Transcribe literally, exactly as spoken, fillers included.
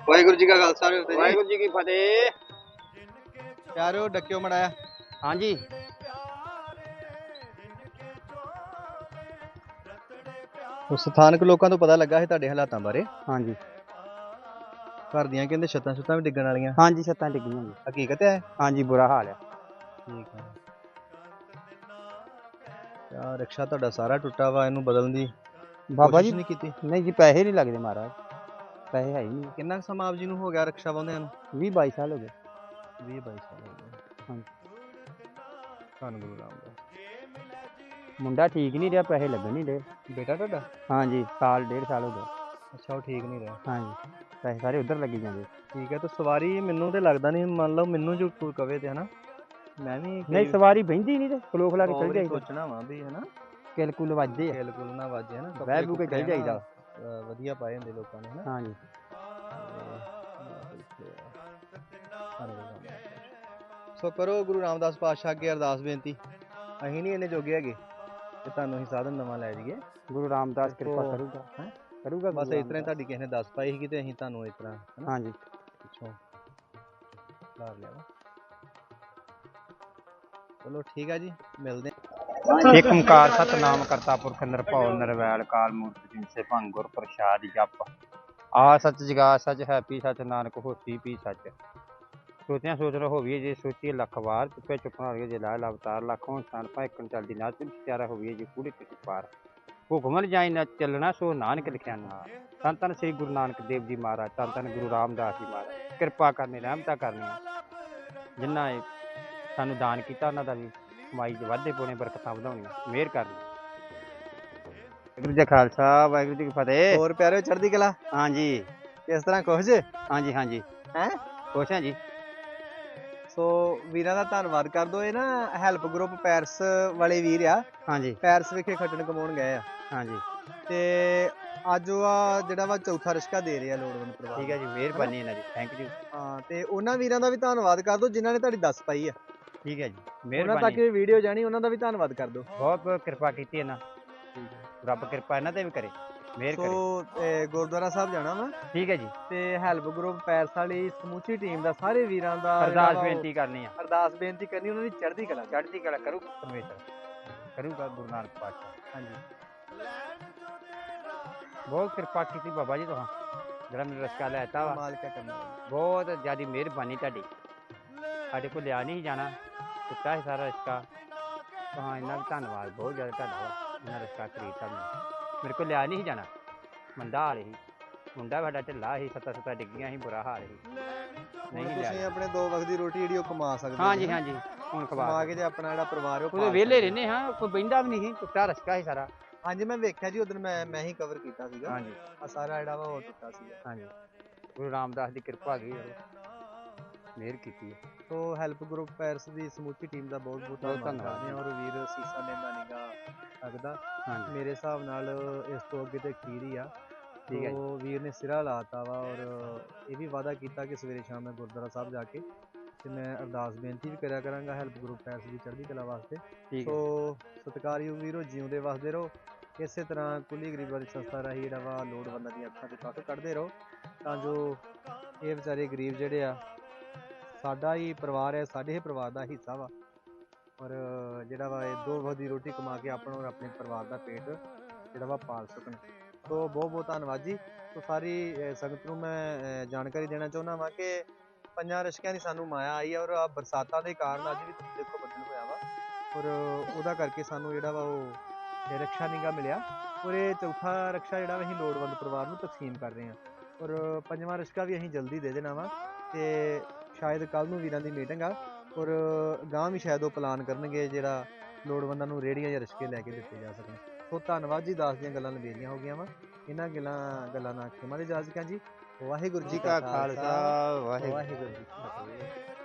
ਵਾਹਿਗੁਰੂ ਜੀ ਕਾ ਖਾਲਸਾ ਵਾਹਿਗੁਰੂ ਜੀ ਕੀ ਫਤਿਹ। ਪਿਆਰਿਓ ਡੱਕਿਓ ਮੜਾਇਆ। ਹਾਂਜੀ ਸਥਾਨਕ ਲੋਕਾਂ ਤੋਂ ਪਤਾ ਲੱਗਾ ਸੀ ਤੁਹਾਡੇ ਹਾਲਾਤਾਂ ਬਾਰੇ। ਹਾਂਜੀ ਘਰ ਦੀਆਂ ਕਹਿੰਦੇ ਛੱਤਾਂ ਛੁੱਤਾਂ ਵੀ ਡਿੱਗਣ ਵਾਲੀਆਂ। ਹਾਂਜੀ ਛੱਤਾਂ ਡਿੱਗੀਆਂ ਜੀ। ਹਕੀਕਤ ਹੈ? ਹਾਂਜੀ ਬੁਰਾ ਹਾਲ ਹੈ। ਠੀਕ ਹੈ। ਆ ਰਿਕਸ਼ਾ ਤੁਹਾਡਾ ਸਾਰਾ ਟੁੱਟਾ ਵਾ, ਇਹਨੂੰ ਬਦਲਣ ਦੀ ਬਾਬਾ ਜੀ ਕੋਸ਼ਿਸ਼ ਨਹੀਂ ਕੀਤੀ? ਨਹੀਂ ਜੀ, ਪੈਸੇ ਨਹੀਂ ਲੱਗਦੇ ਮਹਾਰਾਜ, ਪੈਸੇ ਹੈ ਹੀ ਨਹੀਂ। ਕਿੰਨਾ ਕੁ ਸਮਾਂ ਆਪ ਜੀ ਨੂੰ ਹੋ ਗਿਆ ਰਿਕਸ਼ਾ ਵਾਹੁੰਦਿਆਂ ਨੂੰ? ਵੀਹ ਬਾਈ ਸਾਲ ਹੋ ਗਏ। ਵੀਹ ਬਾਈ ਸਾਲ ਹੋ ਗਏ। ਹਾਂਜੀ ਧੰਨ ਗੁਰੂ ਰਾਮਦਾਸ। ਮੁੰਡਾ ਠੀਕ ਨਹੀਂ ਰਿਹਾ, ਪੈਸੇ ਲੱਗਣ ਨਹੀਂ ਰਹੇ। ਬੇਟਾ ਤੁਹਾਡਾ? ਹਾਂਜੀ ਸਾਲ ਡੇਢ ਸਾਲ ਹੋ ਗਿਆ। ਅੱਛਾ, ਉਹ ਠੀਕ ਨਹੀਂ ਰਿਹਾ। ਹਾਂਜੀ ਪੈਸੇ ਸਾਰੇ ਉੱਧਰ ਲੱਗੀ ਜਾਂਦੇ। ਠੀਕ ਹੈ। ਤਾਂ ਸਵਾਰੀ ਮੈਨੂੰ ਤੇ ਲੱਗਦਾ ਨਹੀਂ, ਮੰਨ ਲਓ ਮੈਨੂੰ ਜੋ ਕੋਈ ਕਵੇ ਤੇ ਹਨਾ, ਮੈਂ ਵੀ ਨਹੀਂ ਸਵਾਰੀ ਬਹਿੰਦੀ ਨਹੀਂ ਤੇ ਖਲੋ ਖਲਾ ਕੇ ਚੱਲ ਜਾਈਦਾ। ਸੋਚਣਾ ਵਾ ਵੀ ਹਨਾ ਕਿਲ ਕੁਲ ਵੱਜਦੇ ਆ, ਕਿਲ ਕੁਲ ਨਾ ਵੱਜੇ ਹਨਾ, ਬਹਿ ਬੂ ਕੇ ਚੱਲ ਜਾਈਦਾ। ਵਧੀਆ ਪਾਏ ਹੁੰਦੇ ਲੋਕਾਂ ਨੇ ਹਨਾ। ਹਾਂਜੀ ਸੋ ਕਰੋ ਗੁਰੂ ਰਾਮਦਾਸ ਪਾਤਸ਼ਾਹ ਅੱਗੇ ਅਰਦਾਸ ਬੇਨਤੀ। ਅਸੀਂ ਨਹੀਂ ਇੰਨੇ ਜੋਗੇ ਹੈਗੇ ਤੇ ਤੁਹਾਨੂੰ ਅਸੀਂ ਸਾਧਨ ਨਵਾਂ ਲੈ ਜਾਈਏ। ਗੁਰੂ ਰਾਮਦਾਸ ਕਿਰਪਾ ਕਰੂਗਾ ਹੈ ਕਰੂਗਾ ਬਸ ਇਸ ਤਰ੍ਹਾਂ ਤੁਹਾਡੀ ਕਿਸੇ ਨੇ ਦੱਸ ਪਾਈ ਸੀਗੀ ਤੇ ਅਸੀਂ ਤੁਹਾਨੂੰ ਇਸ ਤਰ੍ਹਾਂ ਹਨਾ ਹਾਂਜੀ ਪਿੱਛੋਂ ਲਾ ਲਿਆ ਵਾ। ਚਲੋ ਠੀਕ ਆ ਜੀ, ਮਿਲਦੇ। ਏਕ ਓੰਕਾਰ ਸਤਨਾਮ ਕਰਤਾ ਪੁਰਖ ਨਿਰਭਉ ਨਿਰਵੈਲ ਕਾਲ ਮੂਰਤਿ ਜਿਨਸੇ ਭੰਗ ਗੁਰ ਪ੍ਰਸਾਦਿ ਜਪ। ਆ ਸੱਚ ਜਗਾ ਸੱਚ ਹੈ ਪੀ ਸੱਚ ਨਾਨਕ ਹੋਸੀ ਪੀ ਸੱਚ। ਸੋਚਿਆ ਸੋਚ ਹੋਵੀਏ ਜੇ ਸੋਚੀਏ ਲੱਖ ਵਾਰ, ਚੁੱਪੇ ਚੁੱਪਣਾ ਹੋਈਏ ਜੇ ਲਾਇ ਅਵਤਾਰ ਲੱਖੋਂ ਸਨ ਭਾਵੇਂ ਇੱਕ ਚੱਲਦੀ ਨਾ ਚਾਰਾ ਹੋਵੀਏ ਜੇ ਕੂੜੇ ਕਿਸੇ ਪਾਰ। ਹੁਕਮ ਜਾਈ ਨਾ ਚੱਲਣਾ ਸੋ ਨਾਨਕ ਲਿਖਿਆ ਨਾ। ਧੰਨ ਧੰਨ ਸ੍ਰੀ ਗੁਰੂ ਨਾਨਕ ਦੇਵ ਜੀ ਮਹਾਰਾਜ, ਧੰਨ ਧੰਨ ਗੁਰੂ ਰਾਮਦਾਸ ਜੀ ਮਹਾਰਾਜ। ਕਿਰਪਾ ਕਰਨੀ ਰਹਿਮਤਾਂ ਕਰਨੀਆਂ, ਜਿਨ੍ਹਾਂ ਨੇ ਸਾਨੂੰ ਦਾਨ ਕੀਤਾ ਉਹਨਾਂ ਦਾ ਵੀ ਕਮਾਈ ਦੇ ਵਾਧੇ ਪਾਉਣੇ, ਬਰਕਤਾਂ ਵਧਾਉਣੀਆਂ, ਮਿਹਰ ਕਰਨੀ। ਵਾਹਿਗੁਰੂ ਜੀ ਖਾਲਸਾ ਵਾਹਿਗੁਰੂ ਜੀ ਕੀ ਫਤਿਹ। ਹੋਰ ਪਿਆਰਿਓ ਚੜ੍ਹਦੀ ਕਲਾ? ਹਾਂਜੀ ਕਿਸ ਤਰ੍ਹਾਂ ਖੁਸ਼ ਜੇ? ਹਾਂਜੀ ਹਾਂਜੀ ਹੈਂ ਖੁਸ਼ ਹਾਂ ਜੀ। ਸੋ ਵੀਰਾਂ ਦਾ ਧੰਨਵਾਦ ਕਰ ਦੋ। ਇਹ ਨਾ ਹੈਲਪ ਗਰੁੱਪ ਪੈਰਿਸ ਵਾਲੇ ਵੀਰ ਆ। ਹਾਂਜੀ ਪੈਰਿਸ ਵਿਖੇ ਖੱਟਣ ਕਮਾਉਣ ਗਏ ਆ ਹਾਂਜੀ ਤੇ ਅੱਜ ਉਹ ਆ ਜਿਹੜਾ ਵਾ ਚੌਥਾ ਰਿਸ਼ਕਾ ਦੇ ਰਹੇ ਆ ਲੋੜਵੰਦ ਪਰਿਵਾਰ। ਠੀਕ ਹੈ ਜੀ, ਮਿਹਰਬਾਨੀ ਇਹਨਾਂ ਦੀ, ਥੈਂਕ ਯੂ। ਹਾਂ ਤੇ ਉਹਨਾਂ ਵੀਰਾਂ ਦਾ ਵੀ ਧੰਨਵਾਦ ਕਰ ਦੋ ਜਿਨ੍ਹਾਂ ਨੇ ਤੁਹਾਡੀ ਦੱਸ ਪਾਈ ਆ। ਠੀਕ ਹੈ ਜੀ, ਉਹਨਾਂ ਤੱਕ ਮਿਹਰਬਾਨੀ। ਇਹ ਵੀਡੀਓ ਜਾਣੀ, ਉਹਨਾਂ ਦਾ ਵੀ ਧੰਨਵਾਦ ਕਰ ਦੋ। ਬਹੁਤ ਬਹੁਤ ਕਿਰਪਾ ਕੀਤੀ ਇਹਨਾਂ, ਰੱਬ ਕਿਰਪਾ ਇਹਨਾਂ ਤੇ ਵੀ ਕਰੇ, ਮਿਹਰ ਸੋ ਕਰੇ। ਗੁਰਦੁਆਰਾ ਸਾਹਿਬ ਜਾਣਾ ਵਾ। ਠੀਕ ਹੈ ਜੀ, ਤੇ ਹੈਲਪ ਗਰੁੱਪ ਪੈਰਿਸ ਵਾਲੀ ਸਮੁੱਚੀ ਟੀਮ ਦਾ, ਸਾਰੇ ਵੀਰਾਂ ਦਾ ਅਰਦਾਸ ਬੇਨਤੀ ਕਰਨੀ ਆ। ਅਰਦਾਸ ਬੇਨਤੀ ਕਰਨੀ ਉਹਨਾਂ ਦੀ ਚੜ੍ਹਦੀ ਕਲਾ ਚੜ੍ਹਦੀ ਕਲਾ ਕਰੂ ਪਰਮੇਸ਼ਰ, ਕਰੂਗਾ ਗੁਰੂ ਨਾਨਕ ਪਾਤਸ਼ਾਹ। ਹਾਂਜੀ ਬਹੁਤ ਕਿਰਪਾ ਕੀਤੀ ਬਾਬਾ ਜੀ ਤੁਹਾਂ, ਜਿਹੜਾ ਮੈਨੂੰ ਰਸਕਾ ਲੈ ਦਿੱਤਾ ਵਾ। ਮਾਲਕ ਕਰਨਾ ਬਹੁਤ ਜ਼ਿਆਦਾ ਮਿਹਰਬਾਨੀ ਤੁਹਾਡੀ। ਸਾਡੇ ਕੋਲ ਲਿਆ ਨਹੀਂ ਜਾਣਾ, ਦਿੱਤਾ ਸੀ ਸਾਰਾ ਰਿਸ਼ਕਾ। ਹਾਂ ਇੰਨਾ ਵੀ ਧੰਨਵਾਦ ਬਹੁਤ ਜ਼ਿਆਦਾ ਤੁਹਾਡਾ ਵਾ, ਇੰਨਾ ਰਿਸ਼ਕਾ ਖਰੀਦਤਾ ਮੈਨੂੰ। ਮੇਰੇ ਕੋਲ ਲਿਆ ਨਹੀਂ ਸੀ ਜਾਣਾ, ਮੰਦਾ ਹਾਲ ਸੀ, ਮੁੰਡਾ ਸਾਡਾ ਢਿੱਲਾ ਸੀ, ਸੱਤਾਂ ਸੱਤਾਂ ਡਿੱਗੀਆਂ ਸੀ, ਬੁਰਾ ਹਾਲ ਸੀ। ਨਹੀਂ ਤੁਸੀਂ ਆਪਣੇ ਦੋ ਵਕਤ ਦੀ ਰੋਟੀ ਜਿਹੜੀ ਉਹ ਕਮਾ ਸਕਦੇ। ਹਾਂਜੀ ਹਾਂਜੀ ਹੁਣ ਕਮਾ ਕੇ ਤੇ ਆਪਣਾ ਜਿਹੜਾ ਪਰਿਵਾਰ ਉਹ ਉਹਦੇ ਵਿਹਲੇ ਰਹਿੰਦੇ ਹਾਂ, ਕੋਈ ਬਹਿੰਦਾ ਵੀ ਨਹੀਂ ਸੀ, ਟੁੱਟਾ ਰਸਕਾ ਸੀ ਸਾਰਾ। ਹਾਂਜੀ ਮੈਂ ਵੇਖਿਆ ਜੀ ਉਦੋਂ, ਮੈਂ ਮੈਂ ਹੀ ਕਵਰ ਕੀਤਾ ਸੀਗਾ। ਹਾਂਜੀ ਆ ਸਾਰਾ ਜਿਹੜਾ ਵਾ ਉਹ ਟੁੱਟਾ ਸੀਗਾ। ਹਾਂਜੀ ਗੁਰੂ ਰਾਮਦਾਸ ਦੀ ਕਿਰਪਾ ਹੈਗੀ, ਮਿਹਰ ਕੀਤੀ ਹੈ। ਸੋ ਹੈਲਪ ਗਰੁੱਪ ਪੈਰਿਸ ਦੀ ਸਮੁੱਚੀ ਟੀਮ ਦਾ ਬਹੁਤ ਬਹੁਤ ਧੰਨਵਾਦ ਕਰਦੇ ਹਾਂ। ਔਰ ਵੀਰ ਸੀਸਾ ਲੈਂਦਾ ਨੀਗਾ ਲੱਗਦਾ, ਮੇਰੇ ਹਿਸਾਬ ਨਾਲ ਇਸ ਤੋਂ ਅੱਗੇ ਤੇ ਅਖੀਰ ਹੀ ਆ। ਠੀਕ ਹੈ ਉਹ ਵੀਰ ਨੇ ਸਿਰਾ ਲਾਤਾ ਵਾ, ਔਰ ਇਹ ਵੀ ਵਾਅਦਾ ਕੀਤਾ ਕਿ ਸਵੇਰੇ ਸ਼ਾਮ ਮੈਂ ਗੁਰਦੁਆਰਾ ਸਾਹਿਬ ਜਾ ਕੇ ਤੇ ਮੈਂ ਅਰਦਾਸ ਬੇਨਤੀ ਵੀ ਕਰਿਆ ਕਰਾਂਗਾ ਹੈਲਪ ਗਰੁੱਪ ਪੈਰਿਸ ਦੀ ਚੜ੍ਹਦੀ ਕਲਾ ਵਾਸਤੇ। ਸੋ ਸਤਿਕਾਰਯੋਗ ਵੀਰੋ, ਜਿਉਂਦੇ ਵਸਦੇ ਰਹੋ ਇਸੇ ਤਰ੍ਹਾਂ। ਕੁੱਲੀ ਗਰੀਬਾਂ ਦੀ ਸੰਸਥਾ ਰਾਹੀਂ ਜਿਹੜਾ ਵਾ ਲੋੜਵੰਦਾਂ ਦੀਆਂ ਅੱਖਾਂ 'ਚ ਕੱਖ ਕੱਢਦੇ ਰਹੋ, ਤਾਂ ਜੋ ਇਹ ਵਿਚਾਰੇ ਗਰੀਬ ਜਿਹੜੇ ਆ, ਸਾਡਾ ਹੀ ਪਰਿਵਾਰ ਹੈ, ਸਾਡੇ ਹੀ ਪਰਿਵਾਰ ਦਾ ਹਿੱਸਾ ਵਾ। ਔਰ ਜਿਹੜਾ ਵਾ ਇਹ ਦੋ ਵਕਤ ਦੀ ਰੋਟੀ ਕਮਾ ਕੇ ਆਪਣਾ ਔਰ ਆਪਣੇ ਪਰਿਵਾਰ ਦਾ ਪੇਟ ਜਿਹੜਾ ਵਾ ਪਾਲ ਸਕਣ। ਸੋ ਬਹੁਤ ਬਹੁਤ ਧੰਨਵਾਦ ਜੀ। ਸੋ ਸਾਰੀ ਸੰਗਤ ਨੂੰ ਮੈਂ ਜਾਣਕਾਰੀ ਦੇਣਾ ਚਾਹੁੰਦਾ ਵਾਂ ਕਿ ਪੰਜਾਂ ਰਿਸ਼ਕਿਆਂ ਦੀ ਸਾਨੂੰ ਮਾਇਆ ਆਈ ਹੈ, ਔਰ ਆ ਬਰਸਾਤਾਂ ਦੇ ਕਾਰਨ ਅੱਜ ਵੀ ਤੁਸੀਂ ਦੇਖੋ ਬੱਦਲ ਹੋਇਆ ਵਾ, ਔਰ ਉਹਦਾ ਕਰਕੇ ਸਾਨੂੰ ਜਿਹੜਾ ਵਾ ਉਹ ਰਿਕਸ਼ਾ ਨਹੀਂ ਗਾ ਮਿਲਿਆ। ਔਰ ਇਹ ਚੌਥਾ ਰਿਕਸ਼ਾ ਜਿਹੜਾ ਵਾ ਅਸੀਂ ਲੋੜਵੰਦ ਪਰਿਵਾਰ ਨੂੰ ਤਕਸੀਮ ਕਰ ਰਹੇ ਹਾਂ, ਔਰ ਪੰਜਵਾਂ ਰਿਕਸ਼ਾ ਵੀ ਅਸੀਂ ਜਲਦੀ ਦੇ ਦੇਣਾ ਵਾ। ਤੇ ਸ਼ਾਇਦ ਕੱਲ੍ਹ ਨੂੰ ਵੀਰਾਂ ਦੀ ਮੀਟਿੰਗ ਆ, ਔਰ ਗਾਂਹ ਵੀ ਸ਼ਾਇਦ ਉਹ ਪਲਾਨ ਕਰਨਗੇ ਜਿਹੜਾ ਲੋੜਵੰਦਾਂ ਨੂੰ ਰੇਹੜੀਆਂ ਜਾਂ ਰਿਕਸ਼ੇ ਲੈ ਕੇ ਦਿੱਤੇ ਜਾ ਸਕਣ। ਸੋ ਧੰਨਵਾਦ ਜੀ, ਦਾਸ ਦੀਆਂ ਗੱਲਾਂ ਲੰਬੇਰੀਆਂ ਹੋ ਗਈਆਂ ਵਾ, ਇਹਨਾਂ ਗੱਲਾਂ ਗੱਲਾਂ ਨਾਲ ਖਿਮਾ ਦੀ ਇਜਾਜ਼ਤ ਜੀ। ਵਾਹਿਗੁਰੂ ਜੀ ਕਾ ਖਾਲਸਾ, ਵਾਹਿਗੁਰੂ ਜੀ ਕੀ ਫਤਿਹ।